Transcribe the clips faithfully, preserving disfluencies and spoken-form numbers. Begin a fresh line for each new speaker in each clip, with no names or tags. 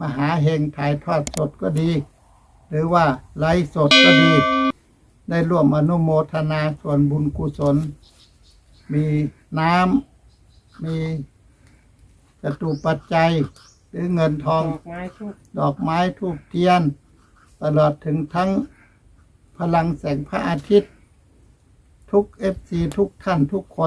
มหาเฮงถ่ายทอดสดก็ดี หรือว่าไลฟ์สดก็ดี ได้ร่วมอนุโมทนาส่วนบุญกุศล มีน้ำมีจตุปัจจัยหรือเงินทอง
ดอกไม้ทุก
ดอกไม้ทูบเทียน ตลอดถึงทั้งพลังแสงพระอาทิตย์ ทุกเอฟซีทุกท่านทุกคน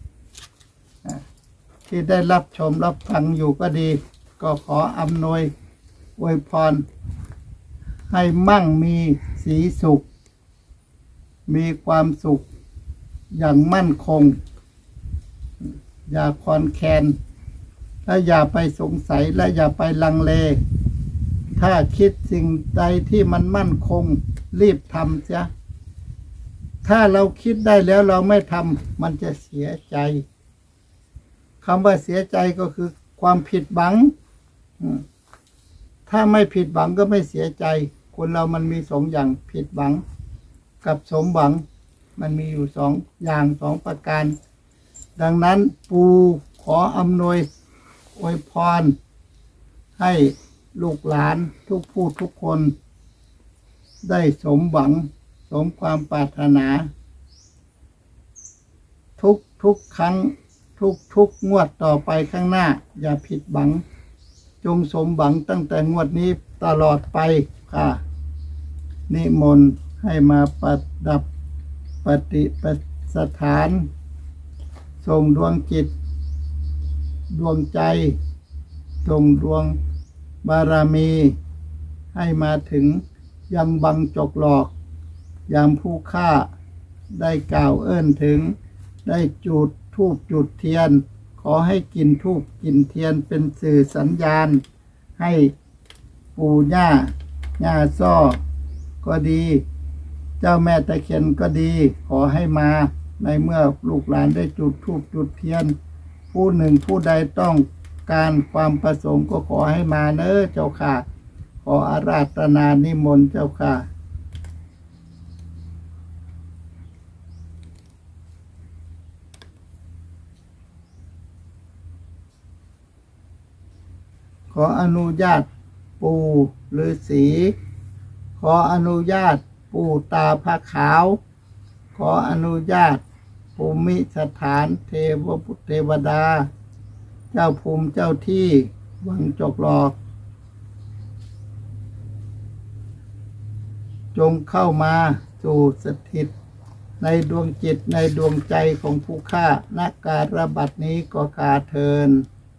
ที่ได้รับชมรับฟังอยู่ก็ดี ก็ขออำนวยอวยพร ให้มั่งมีสีสุข มีความสุขอย่างมั่นคง อย่าคลอนแคลนและอย่าไปสงสัยและอย่าไปลังเล ถ้าคิดสิ่งใดที่มันมั่นคง รีบทำเสีย ถ้าเราคิดได้แล้วเราไม่ทำมันจะเสียใจคำว่าเสียใจก็คือความผิดหวัง ถ้าไม่ผิดหวังก็ไม่เสียใจ คนเรามันมีสองอย่างผิดหวังกับสมหวัง มันมีอยู่สองอย่างสองประการ ดังนั้นปู่ขออำนวยอวยพร ให้ลูกหลานทุกผู้ทุกคน ได้สมหวัง สมความปรารถนา ทุกทุกครั้ง ทุกทุกงวดต่อไปข้างหน้า อย่าผิดหวัง จงสมหวังตั้งแต่งวดนี้ตลอดไปค่ะ นิมนต์ให้มาประดับปฏิปสถานส่งดวงจิต ดวงใจส่งดวงบารมี ให้มาถึงยังบังจกหลอก ยามผู้ฆ่าได้กล่าวเอิ้นถึง ได้จุดธูปจุดเทียน ขอให้กินธูปกินเทียนเป็นสื่อสัญญาณ ให้ปู่ย่าย่าซ้อก็ดี เจ้าแม่ตะเคียนก็ดี ขอให้มาในเมื่อลูกหลานได้จุดธูปจุดเทียน ผู้หนึ่งผู้ใดต้องการความประสงค์ก็ขอให้มาเนอะเจ้าค่ะ ขออาราธนานิมนต์เจ้าค่ะ ขออนุญาตปู่ฤาษีขออนุญาตปู่ตาพระขาว ขออนุญาตภูมิสถานเทวพุทธเทวดา เจ้าภูมิเจ้าที่วังจกหลอก จงเข้ามาสู่สถิตในดวงจิตในดวงใจของผู้ฆ่าณการบัดนี้ก็กาเทิน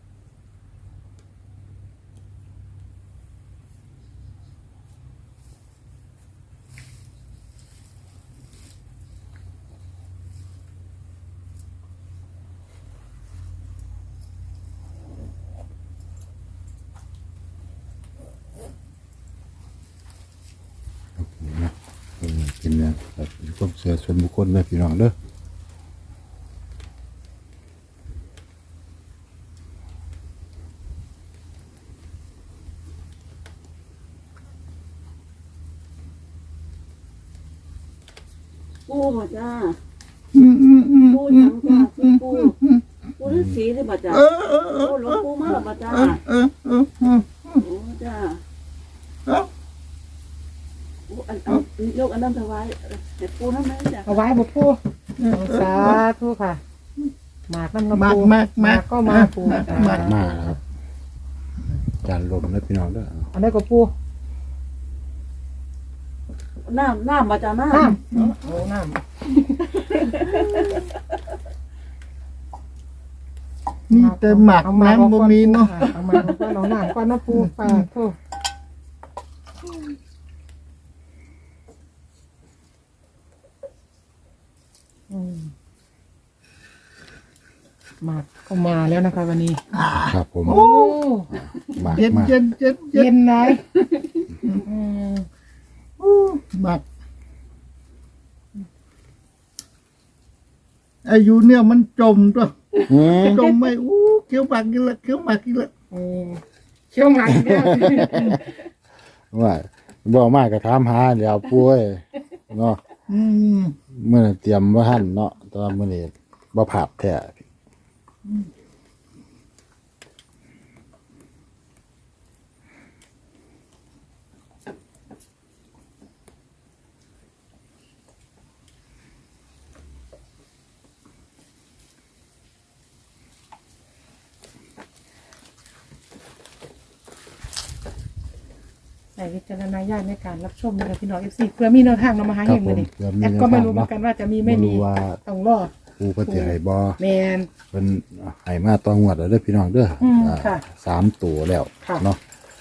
เป็นเนี่ยแบบเป็นความเชื่อส่วนบุคคลเลยพี่น้องเด้อ
ปูบ่จ้า
อืมอืมอืม
ปูหยังจ้าคือปูปูฤาษีหรือบ่จ้า
เออเออเออ
โอ้หลวงปู่มาแล้วบ่จ้า
เออเออเออ
โอ้จ้า
เออ
โอ้อันอันยกอันนั้นถวายให้ปูนำแม่จ้า
เอาไว้บ่ปูสาธุค่ะหมากน้ำน้ำ
มาก
ปู
มากมาก
ก็มาปู
มากมาก
มาแล้วครับจานลมแล้วพี่น้องเด้อ
อันนี้ก็ปู
น้ำน้ำบ่จ้าน้
น้ำโอ้น้
มี
ำ
แต่หมัก
เอามา
น้ำบ่มีเนาะ
เอามาก็เอาน้ำก็น้ำปูปลาโทษอืมหมากก็มาแล้วนะคะวันนี้
ครับผม
โอ้
มาก
เย็น
มาก
เย็นเย็นเย็
เย็
น
นเลยอืม
หมักอายุเนี่ยมันจมตัว
อืม
จมไม่อู้เคี้ยวหมากกินละเคี้ยวหมากกินละ
โอ้เชี่ยวหมากอีกแล้ว
ว่าบอกมากก็ถามหาเดี๋ยวป่วยเนาะ
อืม
เมื่อเตรียมบ่ทันเนาะแต่ว่ามื้อนี้บ่ผาบแท้
ใส่วิจารณญาณในการรับชมนะคะพี่น้องเอฟซีเพื่อมีแนวทางเรามาหา
ครั
เห็
บ
น
ผ
มือ
ม
นี่
เดี๋ยวมี
แอด
แนว
ก็ไม่
ทาง
รู้เหมือ
เนาะ
นกันว่าจะมีไม่
บ่
มี
รู้ว่า
ต้องรอ
ปูเพิ่นสิให้บ่
แมน
เพิ่นให้มาต่องวดแล้วเด้อพี่น้องเด้ออ
ม
อ่า
ค่ะ
สามตัวแล้ว
ค่ะ
เนาะ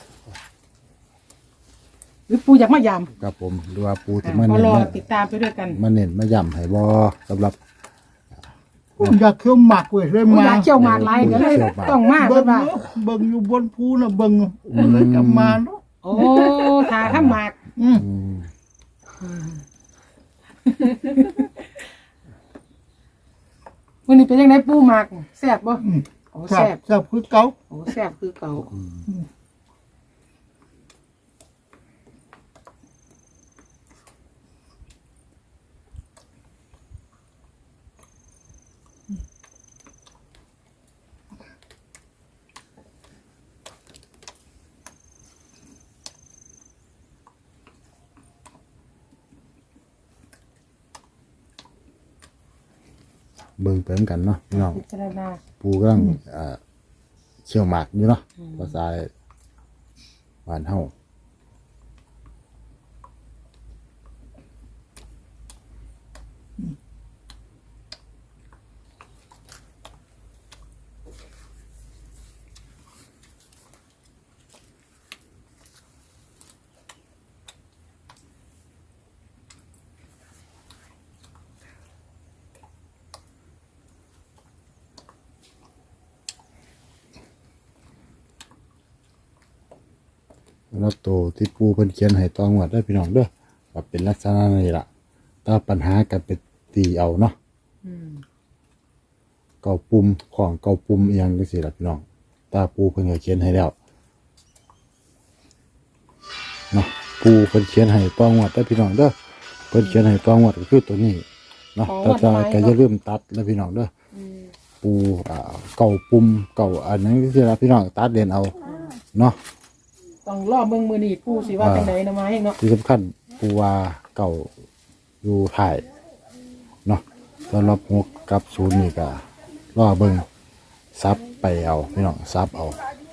หรือปูอยากมายาม
ครับผมหรือว่าปูที่
อ่ะ
มา
ก็
เน้น
รอ
มา
ติดตามไปด้วยกัน
มาเน้นมาย่ำให้บ่สำหรับ
ผมอยากเคี้ยวหมักเว้ยเลย
ปู
มา
อยากเขี่ยวหมากลายก็เลยต้องมา
เบิ่
เพิ่
ง
นว่า
เนอะเบิ่งอยู่บนภูน่ะเบิ่งเลยกลับมาเนาะ
โอ้ทาข้ามหมาก
อืม
อืม
วันนี้เป็นยังไงปูหมากแซ่บบ่
อืม
โอ้
ครั
แซ่
บบ แซ่บคือเก่า
โอ้แซ่บคือเก่า
เบิ่งไปเหมือนกันเนาะพี่น้อง
พิจารณา
ปูกำลังอ่าเชี่ยวหมากอยู่เนาะภาษาบ้านเฮา แล้วตัวที่ปูเพิ่นเขียนให้ตองวดได้อพี่น้องเด้อก็เป็นลักษณะนี้ล่ะถ้าปัญหากันเป็นตีเอาเนาะ
อืม
เก่าปุ่มของเก่าปุ่มอีหยังจังซี่ล่ะพี่น้องตาปูเพิ่นก็เขียนให้แล้วเนาะปูเพิ่นเขียนให้ตองวดได้อพี่น้องเด้อเพิ่นเขียนให้ตองวดก็คือตัวนี้เนาะแต่ถ้าก็อย่าลืมตัดแล้วพี่น้องเด้อ
อืม
ปูอ่าเก่าปุ่มเก่าอันนั้นจังซี่ล่ะพี่น้องตัดเด่นเอาเนาะ
ต้องรอเบิ่งมือนี่ปูสิว่าจังไดนะมาให้เนาะ
ที่สำคัญปูว่าเก่าอยู่ถ่ายเนาะสำหรับหกกับศูนย์นี่ก็รอเบิ่งซับไปเอาพี่น้องซับเอา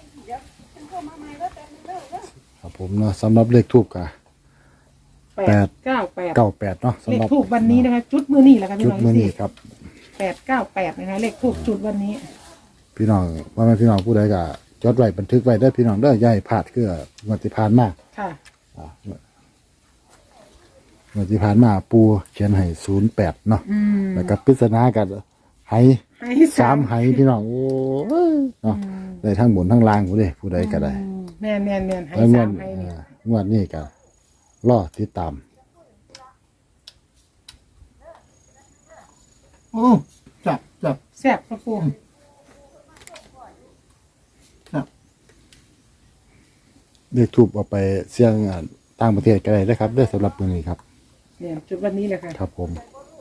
ครับผมเนาะสำหรับเลขทูบก็
แปดเก้าแปด
เก้าแปดเนาะ
เล
สำ
ข
หรับ
ทูบวันนี้นะคะจุดมือนี่แหละค่ะพี่
จุด
น้อง
มื้อนี้ครับ
แปดเก้าแปดนะคะเลขทูบจุดวันนี้
พี่น้องว่าแม่พี่น้องผู้ใดก็จดไว้บันทึกไว้ได้อพี่น้องเด้ออย่าให้พลาดคืองวดที่ผ่านมา
ค่ะ
อ่างวดที่ผ่านมาปูเขียนให้ศูนย์แปดเนาะ
อืม
แล้วก็ปริศนากันไห
ให้
สามไหพี่น้องโอ้ยเนาะได้ทั้งบนทั้งล่างผู้ใดผู้ใดก็ได้
อืมแม่นแม่นแม่นให้
แล้วงว
สา
ด
มให้นี่
เอ่องวดนี้ก็รอติดตาม
โอ้จับจับ
แซ่บครับปู
จับ
เรียกทูบเอาไปเสี่ยงอ่าต่างประเทศก็ได้นะครับเด้อสำหรับมื้อนี้ครับ
เนี่ยจุดวันนี้แหละค่ะ
ครับผม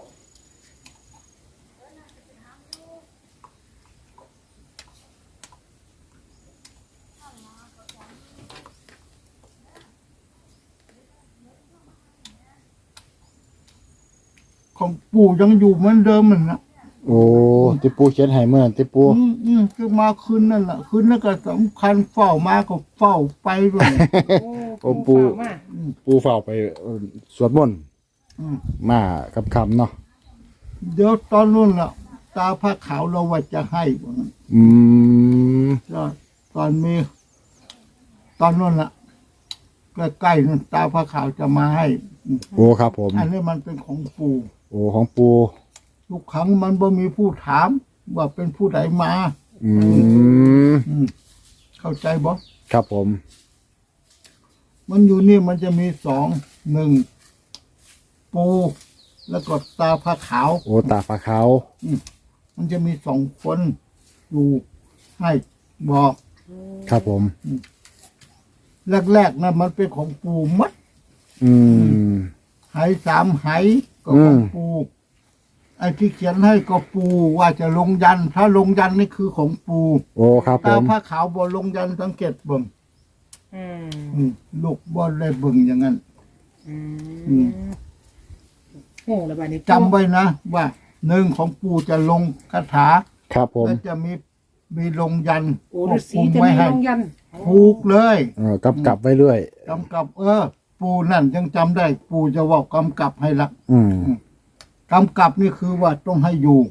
ของปู่ยังอยู่เหมือนเดิมมันนะ
โอ้ที่ปูเขียนให้เมื่อนั้นที่ปู
อืมอืมคือมาคืนนั่นแหละคืนนั่นก็สำคัญเฝ้ามาก็เฝ้าไปด้วย
โอ้ปูฝากมา
ปูเฝ้าไปเอ่อสวดมนต์
อืม
มากับคำเนาะ
เดี๋ยวตอนนู้นล่ะ ตาผ้าขาวเราว่าจะให้ว่างั้น
อืม
ก็ตอนมี ตอนนู้นล่ะใกล้ๆนั่นตาผ้าขาวจะมาให้อืม
โอ้ครับผม
อันนี้มันเป็นของปู่
โอ้ของปู
ทุกครั้งมันบ่มีผู้ถาม ว่าเป็นผู้ใดมา
อืม
อืมเข้าใจบ่
ครับผม
มันอยู่นี่มันจะมีสองหนึ่งปูแล้วก็ตาผ้าขาว
โอ้ตาฟ้าขาว
มันจะมีสองคนอยู่ให้บอก
ครับผม
แรกๆนะมันเป็นของปูมัด
อืม
ไหสามไหก็ของ
อืม
ปูไอ้ที่เขียนให้ก็ปูว่าจะลงยัน ถ้าลงยันนี่คือของปู
โอ้ครับผ
ตาม ผ้าขาวบ่ลงยันสังเกตเบิ่ง
อืม
อืมลูกบ่ได้เบิ่งอย่างนั้น
อื
อืม
มโง่ละบาดนี้
จำไว้นะว่าหนึ่งของปูจะลงคาถา
ครับผม
แล้วจะมีมีลงยัน
โอ้ฤาษี
คุม
จะ
ไว้
มี
ให้
ลงยัน
ผูกเลย
เออกำกับไว้เรื่อย
กำกับ เออ ปูนั่นยังจำได้ ปูจะว่ากำกับให้ละ
อืม
กำกับนี่คือว่าต้องให้อยู่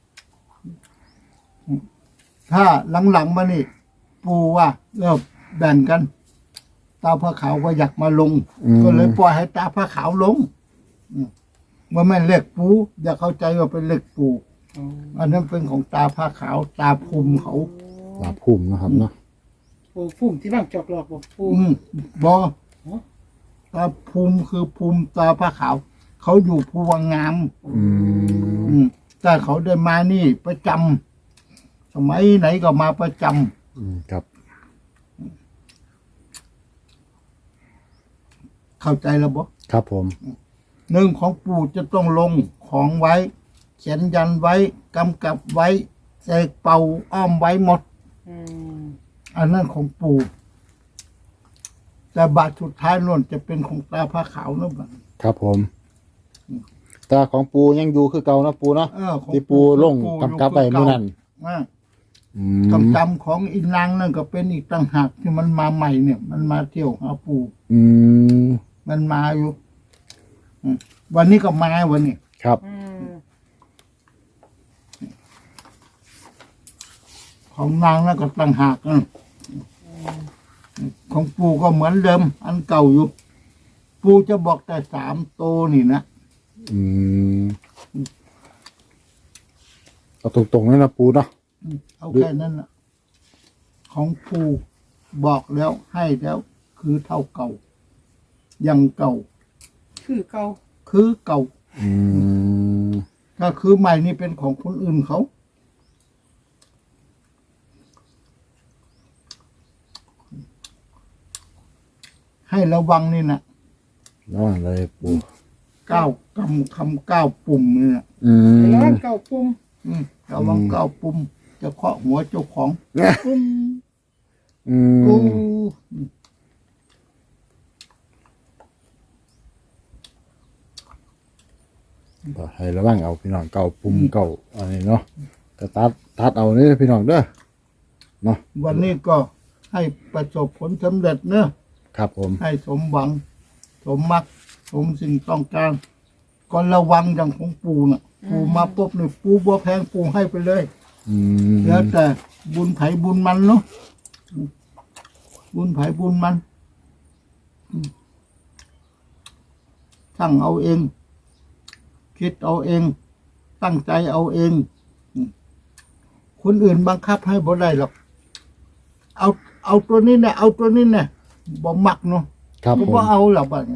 ถ้าหลังๆมานี่ ปูว่าเออแบ่งกัน ตาพระขาวก็อยากมาลง
อืม
ก็เลยปล่อยให้ตาพระขาวลงอืมว่าไม่เล็กปู อย่าเข้าใจว่าเป็นเล็กปู อันนั้นเป็นของตาพระขาว ตาภูมิเขา
ลาพุ่มนะครับเนาะ
ปูพุ่มที่บ้างจอกหลอกบอกปู
อืมบอตาภูมิคือภูมิตาพระขาว เขาอยู่ภูวังงาม
อืม
อืมแต่เขาได้มานี่ประจำสมัยไหนก็มาประจ
อืมครับ
ำเข้าใจแล้วบ่
ครับผม
หนึ่งของปู่จะต้องลงของไว้ เขียนยันไว้กำกับไว้เสกเป่าอ้อมไว้หมด
อืม
อันนั้นของปู่แต่บาทสุดท้ายนั่นจะเป็นของตาผ้าขาวนะบัด
ครับผมตาของปูยังอยู่คือเก่านะปูเนาะ
เออของ
ที่ปูลงกำกับไปเมื่อนั้น
อ่า
อืม
กำจำของอีนางนั่นก็เป็นอีกต่างหากที่มันมาใหม่เนี่ย มันมาเที่ยวหาปู่
อืม
มันมาอยู่อืมวันนี้ก็มาวันนี้
ครับ
อืม
ของนางนั่นก็ต่างหากนะของปู่ก็เหมือนเดิม อันเก่าอยู่ ปู่จะบอกแต่สามโตวนี่นะ
อืมเอาตรงๆเลยนะปูเนาะ
อืมเอาแค่นั้นนะของปู่บอกแล้วให้แล้ว คือเท่าเก่า ยังเก่า
คือเก่า
คือเก่า
อืม
ถ้าคือใหม่นี่เป็นของคนอื่นเขา ให้ระวังนี่นะ
ระวังเลยปู
ก้าวกำคำก้าวปุ่มนี่นะ
อืม
แล้วเก่าปุ่ม
อืมระวังก้าวปุ่ม จะเคาะหัวเจ้าของ
ปุ่ม
อื
กู
มก็ให้ระวังเอาพี่น้องเก่าปุ่มเก่าอันนี้เนาะก็ตัดตัดเอานี่พี่น้องเด้อเนาะ
วันนี้ก็ให้ประสบผลสำเร็จเนอะ
ครับผม
ให้สมหวัง สมมัก สมสิ่งต้องการก็ระวังอย่างของปูน่ะ ปูมาปุ๊บเนี่ยปูบัวแพงปูให้ไปเลย
อืม
แล้วแต่บุญไผบุญมันเนาะบุญไผบุญมันอืมตั้งเอาเอง คิดเอาเอง ตั้งใจเอาเองอืมคนอื่นบังคับให้บ่ได้หรอก เอา เอาตัวนี้เนี่ยเอาตัวนี้เนี่ยบ่มักเนาะ
ครับ
ก็
ผม
บ่เอาหรอกบัดนี้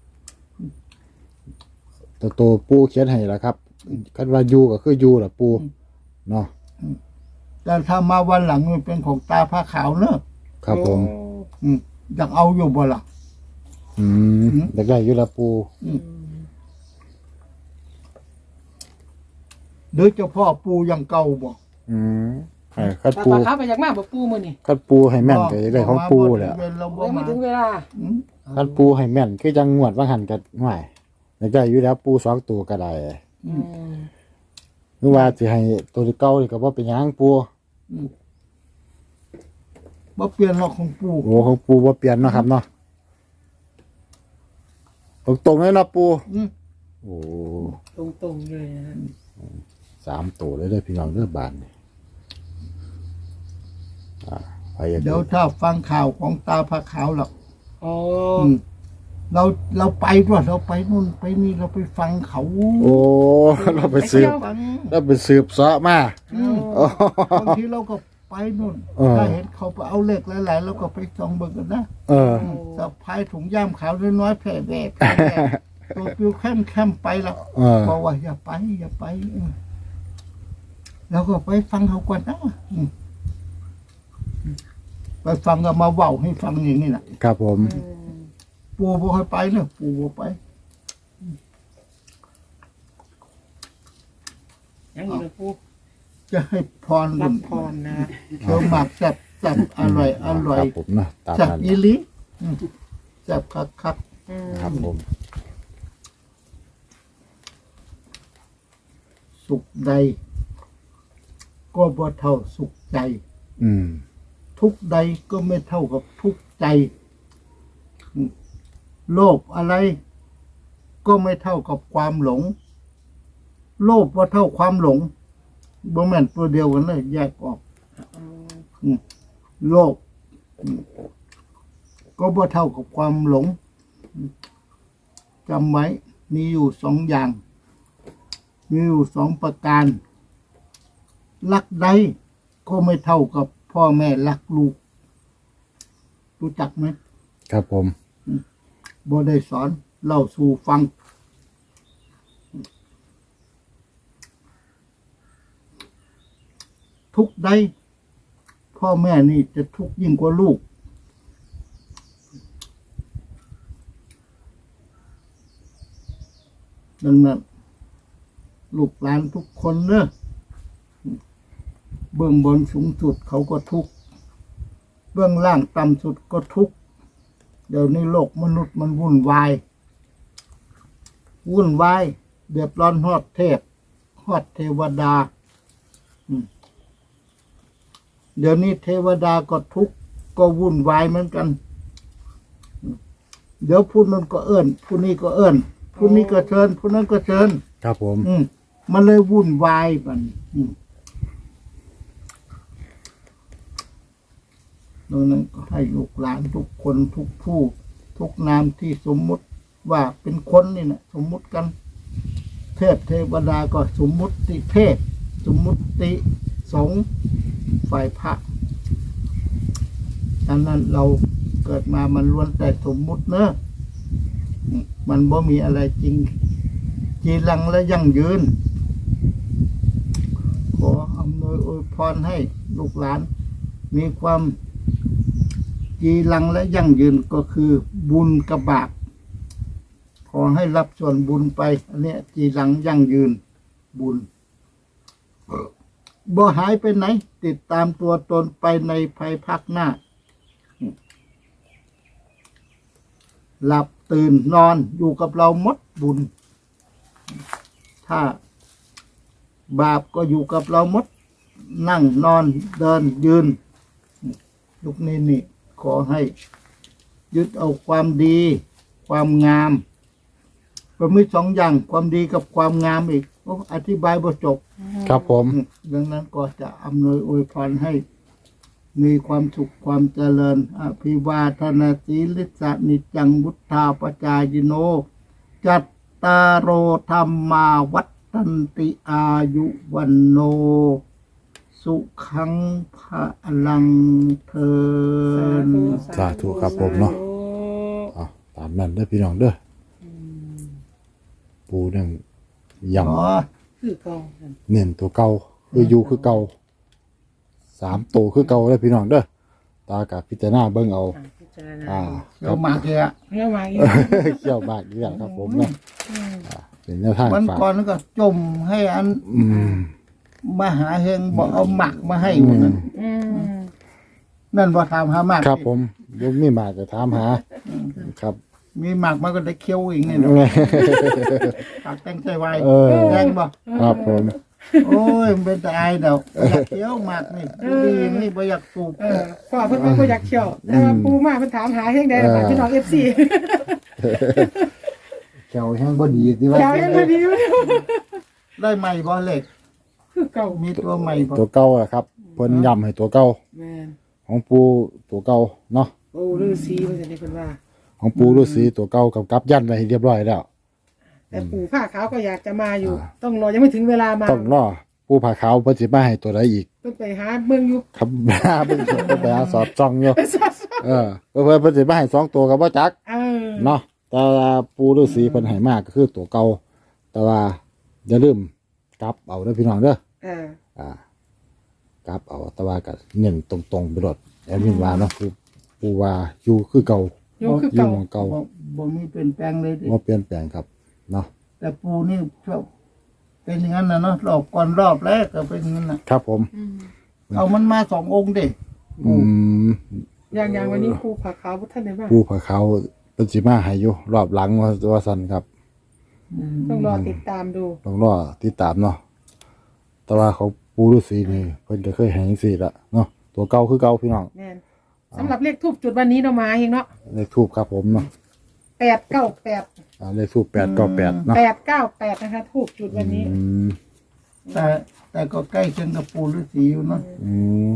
ตัวโตปูเขียนให้แล้วครับคันว่าอยู่ก็คืออยู่ล่ะปูเนาะ
แต่ถ้ามาวันหลังมันเป็นของตาผ้าขาวเนอะ
ครับผม
อืมอยากเอาอยู่บ่ล่ะ
อืมอยากได้อยู่ละปู
หรือเจ้าพ่อปูยังเก่าบ่
อืมให้คัด
ปลา
ปู
ปลาขาวไปจากมาบอกปูมือนี่
คัดปูให้แม่นก็อยากได้ของปูแหละ
เว้นเราบ่
ยังไม่
มา
ถึงเวลา
อืม
คัดปูให้แม่นคือจังงวดว่าหันกันห่วยอยากได้อยู่แล้วปูสองตัวก็ได้
อืม
หรือว่าสิให้ตัวเก่านี่ก็บ่เป็นหยังปู
บ่เปลี่ยนหรอกของปู
โอ้ของปูบ่เปลี่ยนเนาะครับเนาะตรงๆเลยเนาะปู
อืม
โอ้
ตรงๆเลยนะฮะ
สามตัวเลยเด้อพี่น้องเด้อบานนี่อ่าไปอยาก
เดี๋ยวถ้าฟังข่าวของตาผ้าขาวหรอก
อ๋อ
อืมเราเราไปด้วยเราไปนู่นไปนี่เราไปฟังเขา
โอ้เราไปสืบ
ฟัง
เราไปสืบเสาะมา
อืม
โอ้
บางทีเราก็ไปนู่น
เออ
ถ้าเห็นเขาไปเอาเลขหลายๆเราก็ไปส่องเบิ่งกันนะ
เออ
สะพายถุงย่ามขาวน้อยๆแผ่แว่แผ่แว่ตัวปิวแค้มแค้มไปแล้ว
เออ
บอกว่าอย่าไป อย่าไปเออแล้วก็ไปฟังเขาก่อนนะอืมไปฟังก็มาเว้าให้ฟังอย่างนี้นะครับ
ผม
อืม
ปูบ่ให้ไปเนอะปูบ่ไป
ยังอีกนะปู
จะให้พร
รับพรนะ
เคี้ยวหมากแซ่บแซ่บอร่อยอร่อย
ครับผมนะตาม
แซ่บ
นั้น
อีหลิอืมแซ่บคักคัก
อืม
ครับผม
สุขใด ก็บ่เท่าสุขใจ
อืม
ทุกข์ใดก็ไม่เท่ากับทุกข์ใจโลภอะไรก็ไม่เท่ากับความหลง โลภว่าเท่าความหลงบ่แม่นตัวเดียวกันเลยแยกออกอืมโลภอืมก็บ่เท่ากับความหลงจำไว้มีอยู่สองอย่าง มีอยู่สองประการรักใดก็ไม่เท่ากับพ่อแม่รักลูก รู้จักไหม
ครับผม
บ่ได้สอนเล่าสู่ฟัง ทุกข์ใดพ่อแม่นี่จะทุกข์ยิ่งกว่าลูก ดังนั้นลูกหลานทุกคนเนอะเบื้องบนสูงสุดเขาก็ทุกข์เบื้องล่างต่ำสุดก็ทุกข์เดี๋ยวนี้โลกมนุษย์มันวุ่นวาย วุ่นวายเดือดร้อนฮอดเทพฮอดเทวดาอืมเดี๋ยวนี้เทวดาก็ทุกข์ก็วุ่นวายเหมือนกันอืมเดี๋ยวผู้นั้นก็เอิ้นผู้นี้ก็เอิ้นผู้นี้ก็เชิญผู้นั้นก็เชิญ
ครับผม
อืมมันเลยวุ่นวายมันอืมดังนั้นก็ให้ลูกหลานทุกคนทุกผู้ ทุกนามที่สมมุติว่าเป็นคนนี่นะสมมุติกัน เทพเทวดาก็สมมุติเทพสมมุติสงฆ์ฝ่ายพระดังนั้นเราเกิดมามันล้วนแต่สมมุติเนอะอืมมันบ่มีอะไรจริง จีรังและยั่งยืน ขออำนวยอวยพรให้ลูกหลาน มีความจีรังและยั่งยืนก็คือบุญกับบาปขอให้รับส่วนบุญไป อันเนี้ยจีรังยั่งยืน บุญบ่หายไปไหน ติดตามตัวตนไปในภายภาคหน้า หลับตื่นนอนอยู่กับเราหมดบุญ ถ้าบาปก็อยู่กับเราหมด นั่งนอนเดินยืนยุคนี้นี่ ขอให้ยึดเอาความดี ความงามก็มีสองอย่างความดีกับความงามอีกโอ้อธิบายบ่จบ
ครับผม
ดังนั้นก็จะอำนวยอวยพรให้ มีความสุขความเจริญ อภิวาทนาสีลิสานิจังวุฒาปจายโน จัตตารโอธรรมาวัฏตันติอายุวันโน สุขังพะลังเทิน
สาธุครับผมเนาะอ่ะตามนั้นเด้อพี่น้องเด้ออปูหนึ่งย่
อ๋อ
คือเก่าค่ะ
ำเน้นตัวเก่าคืออยู่คือเก่าสามตัวคือเก่าเด้อพี่น้องเด้อตากับพิจารณาเบิ่งเอา
อ่ะพิจารณา
อ่า
เดี๋ยวมาเกะ
เรียกมาอีก
เกี่ยวมากอีกแล้วครับผมเนาะอ่าเป็นแนวทาง
วัน
ฝาก
ก่อนก็จมให้อัน
อืม
มหาเฮงบอกเอาหมักมาให้วันนั้น
อืม
นั่นว่าถามหาหมัก
ครับผมบ่มีมากจะถามหาครับ
มีหมักมันก็ได้เคี้ยวอีกนี่เนาะปากแตงใจไว
เออ
แดงบ่
ครับผม
โอ้ยมันเป็นแต่อายเดาอยากเคี้ยวหมักนี่ดีนี่บ่อยากสูบ
เออพ่อเพิ่นบ่อยากเที่ยวแต่ว่าปูมาเพิ่นถามหาเฮงได้ล่ะพี่น้อง เอฟ ซี
แขวแห้งบ่ดีสิว่า
อยากให้พอดีอยู่
ได้ใหม่บ่เล็ก
คือเก่า
มีตัวใหม่บ่
ตัวเก่าอะครับเพิ่นย้ำให้ตัวเก่า
แม่น
ของปูตัวเก่าเนาะ
โอ้ฤาษีเพิ่นจะได้เพิ่นว่า
ของปูฤาษีตัวเก่ากับกับยันไว้ให้เรียบร้อยแล้ว
แต่ปู่ผ้าขาวก็อยากจะมาอยู่ ต้องรอยังไม่ถึงเวลามา
ต้องรอปูผาขาวเพิ่นสิมาให้ตัวใดอีก
เพิ่นไปหาเมืองอยู่
ครับ เพิ่นสิไปหาสอดจ้องอยู่เออเพิ่นเพิ่นสิมาให้สองตัวก็บ่จัก
เออ
เนาะแต่ว่าปูฤาษีเพิ่นให้มาก็คือตัวเก่าแต่ว่าอย่าลืมกลับเอาเด้อพี่น้องเด้อ
เออ
อ่ากลับเอาแต่ว่าก็เน้นตรงๆไปรถแอดมินว่าเนาะคือปูว่าอยู่คือเก่า
อยู่คือ
อยู่
เก่า
หม่องเก่า
บ่บ่มีเปลี่ยนแปลงเลยดิ
บ่เปลี่ยนแปลงครับเนาะ
แต่ปูนี่ชอบเป็นอย่างนั้นนะเนาะรอบก่อนรอบแรกก็เป็นอย่างนั้นนะครับ
ผม
อืม
เอามันมาสององค์ดิ
อืม
อย่างอย่างวันนี้ปู่ผ้าขาวบ่ทันได้มา
ปูผาขาวเพิ่นสิมาให้อยู่รอบหลังว่าว่าซั่นครับ
ต้องรอติดตามดู
ต้องรอติดตามเนาะแต่ว่าเขาปูฤาษีนี่เพิ่นก็เคยให้จังซี่ละเนาะตตัวเก่าคือเก่าพี่น้อง
แม่นสำหรับเลขทูบจุดวันนี้เรามาเองเนาะ
เลขทูบครับผมเนาะ
แปดเก้าแปด
อ่าเลขทูบแปดเก้าแปดเนาะ
แปดเก้าแปดนะคะทูบจุดวันนี้
อืม
แต่แต่ก็ใกล้เคียงกับปูฤาษีอยู่เนาะ
อืม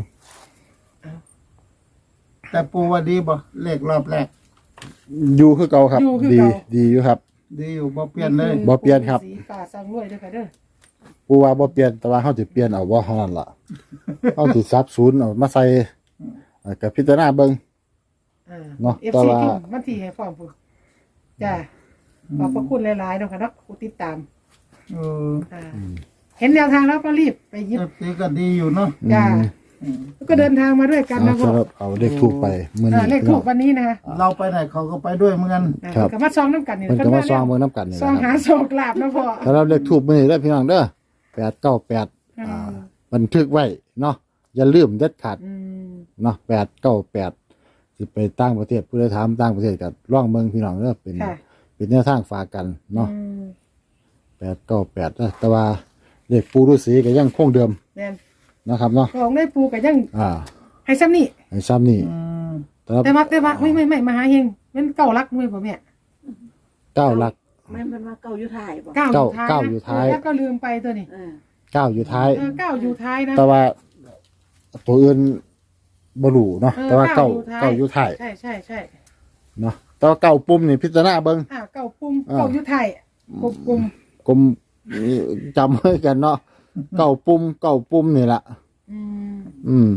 แต่ปูว่าดีบ่เลขรอบแรก
อยู่คือเก่าครับ
อยู่คือ
ดี
เก่า
ดีอยู่ครับ
ดีอยู่บ่เปลี่ยนเลย
บ่เปลี่ยนครับ
สีฟ้าสร้างรวยด้วยค่ะเด้อ
ปูว่าบ่เปลี่ยนแต่ว่าเฮาสิเปลี่ยนเอาบ่เท่านั้นล่ะ เฮาสิซับศูนย์เอามาใส่เอ่อกับพิจารณาเบิ่ง
อ่า
เนาะ
เอฟ
แต่
ซี
ว่า
พิมพ์มันทีให้ฟอร์มพุ่นจ้าขอบพระคุณหลายๆเนาะค่ะเนาะผู้ติดตาม
เออ
อ่าเห็นแนวทางแล้วก็รีบไปหยิบ
เอฟซีก็ดีอยู่เนาะ
จ้า
อืม
แล้วก็เดินทางมาด้วยกัน
เอา
นะพ่อ
สำหรับเอาเลขทูบไปมื้อ
อ่า
นี้
เลขถูกวันนี้นะคะ
เราไปไหนเขาก็ไปด้วยเหมือนกัน
อ่า
ครับ
ก็มาซองน้ำกันนี่
เพิ่นก็มาซองเบิ่งนํกันนี่
ซอง
นะค
หา
รับ
โชคลาภนะพ่อ
สำหรับเลขทูบมื้อนี้เด้อพี่น้องเด้อแปดเก้าแปด
อืม
อ่าบันทึกไว้เนาะอย่าลืมเด็ดขาด
อืม
เนาะแปดเก้าแปดสิไปต่างประเทศผู้ใดถามต่างประเทศก็ลองเบิ่งพี่น้องเด้อเป็น
ค่ะ
เป็นแนวทางฝากกันเนาะ
อืม
แปดเก้าแปดนะแต่ว่าเลขปูฤาษีก็ยังคงเดิม
แม่น
นะครับเนาะ
ของได้ปูก็ยัง
อ่า
ให้ซ้ำนี่
ไอ้ซ้ำนี่
อืม
แต่ว่า
แต่ว่าแต่ว่าไม่ไม่ไม่มาหาเฮงมันเก่ารักด้วยบ่แม่
เก้าหลัก
ไม่มันว่าเก่าอยู่ถ่ายบ่
เก้า
เก้า
อยู่ท้าย
เก้าอยู่ท้าย
แล้วก็ลืมไปตัวนี้
เออ
เก้าอยู่ท้าย
เออเก้าอยู่ท้ายนะ
แต่ว่าตัวอื่นบรูเนาะ
เออ
แต่ว่าเก้า
เก้า
เก้า
อ
อยู่ ยู่
ท้า
ท้าย ย
ใช่ใช่ใช่
เนาะแต่ว่าเก้าปุ่มนี่พิจารณาเบิ่ง
อ่าเก้าปุ่ม
อ่า
เก้าอยู่ท้ายกบปุ่ม
กลมจำไว้กันเนาะเก้าปุ่มเก้าปุ่มนี่ล่ะ
อืม
อืม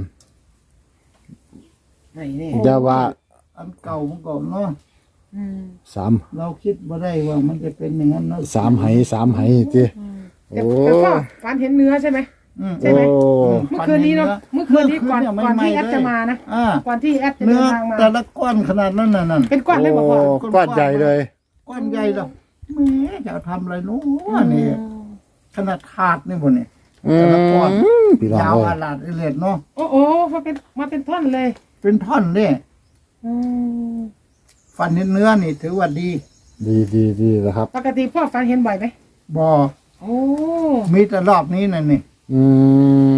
ไหนนี่
แต่ว่า
อันเก่ามันก่อนเนาะ
อืม
สาม
เราคิดว่าได้ว่ามันจะเป็นอย่างนั้นเนาะ
สามไหสามไหจิ
อืมแต่
โอ้
แต่พ่อฝันเห็นเนื้อใช่ไหม
อืม
ใช่ไหม
โอ้
เมื่อคืนนี้เนาะเมื่อคืนนี้ก่อน
เมื่
ก่อนที่
เย
แอดจะมานะ
อ่า
ก่อนที่แอดจะ
เนื้
เดิ
อน
ทางมา
แต่ละก้อนขนาดนั้นน่ะนั่น
เป็นก้อนเลยบอกพ่อ
โก้อนใหญ่เลย
ก้อนใหญ่แล้วแหม่จะเอาทำอะไรนู้นนี่ขนาดขาดนี่บนนี่
อื
แต่ละก้อน
มพี่น้อง
ยาว
เอ้
อาย ลาดอิเลดเนาะ
โอ้โหมาเป็นมาเป็นท่อนเลย
เป็นท่อนเนี่ย
อืม
ฟันเห็นเนื้อนี่ถือว่าดี
ดีดีดีแล้วครับ
ปกติพ่อฝันเห็นบ่อยไหม
บอ
โอ้
มีแต่รอบนี้นั่นนี่
อืม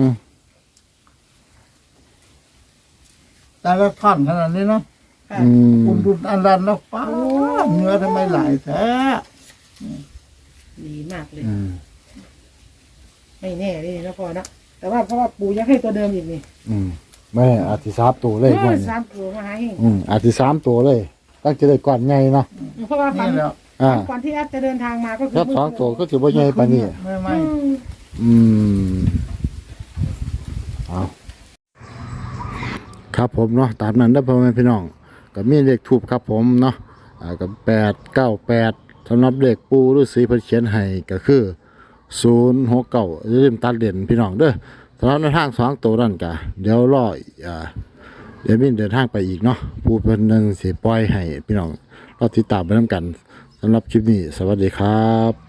แต่ละท่อนขนาดนี้เนาะ
ค่ะ
อืม
คุณดุนอันรันแล้วป้าบเนื้อทำไมหลายแท้
ดีมากเลย
อืม
ไม่แน่เลยนะพ่อนะแต่ว่าเพราะว่าปู่ยังให้ตัวเดิมอีกนี่
อืมแม่อาทิสามตัวเลย
เอ
ก่อ
อน สามตัวมาหาเอง
อืมอาทิสามตัวเลยตั้งจะได้ก่อนใหญ่เนาะ
เพราะว่าฝัน
นี่แล้ว
อ่า
ก่อนที่แอดจะเดินทางมาก็คือ
ครับสองตัวก็ถือว่าใหญ่ปานนี้
ไม่
อื
ไม่
ม
อืมเอาครับผมเนาะตามนั้นได้อพ่อแม่พี่น้องก็มีเลขทูบครับผมเนาะอ่ากับแปดเก้าแปดสำหรับเลขปูฤาษีเพิ่นเขียนให้ก็คือศูนย์หกเก้าอย่าลืมตัดเด่นพี่น้องเด้อสำหรับในทางสองตัวนั่นกะเดี๋ยวรออ่าเดี๋ยวมีเดินทางไปอีกเนาะผู้เพิ่นนึงสิปล่อยให้พี่น้องรอติดตามไปนํกันสำหรับคลิปนี้สวัสดีครับ